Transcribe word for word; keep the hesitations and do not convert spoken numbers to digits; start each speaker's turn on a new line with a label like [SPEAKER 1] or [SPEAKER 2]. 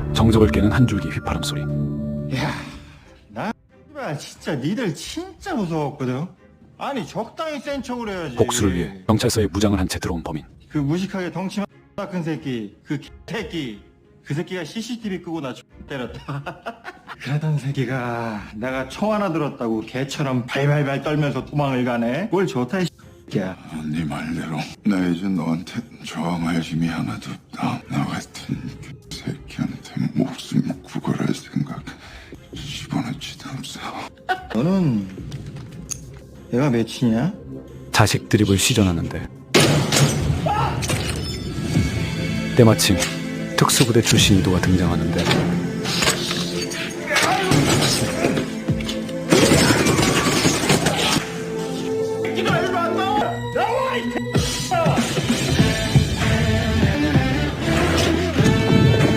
[SPEAKER 1] 정적을 깨는 한 줄기 휘파람 소리.
[SPEAKER 2] 야, 나 X발 진짜 니들 진짜 무서웠거든. 아니 적당히 센 척을 해야지.
[SPEAKER 1] 복수를 위해 경찰서에 무장을 한 채 들어온 범인.
[SPEAKER 2] 그 무식하게 덩치만 큰 새끼, 그 새끼, 그 새끼가 씨씨티비 끄고 나 X 때렸다. 그러던 새끼가 내가 총 하나 들었다고 개처럼 발발발 떨면서 도망을 가네. 뭘 좋다 이 새끼야.
[SPEAKER 3] 네 말대로 나 이제 너한테 저항할 힘이 하나도 없다. 나 같은 새끼한테 목숨 구걸할 생각 집어넣지도 없어.
[SPEAKER 2] 너는 내가 몇이냐?
[SPEAKER 1] 자식 드립을 시전하는데 때마침 특수부대 출신 이도가 등장하는데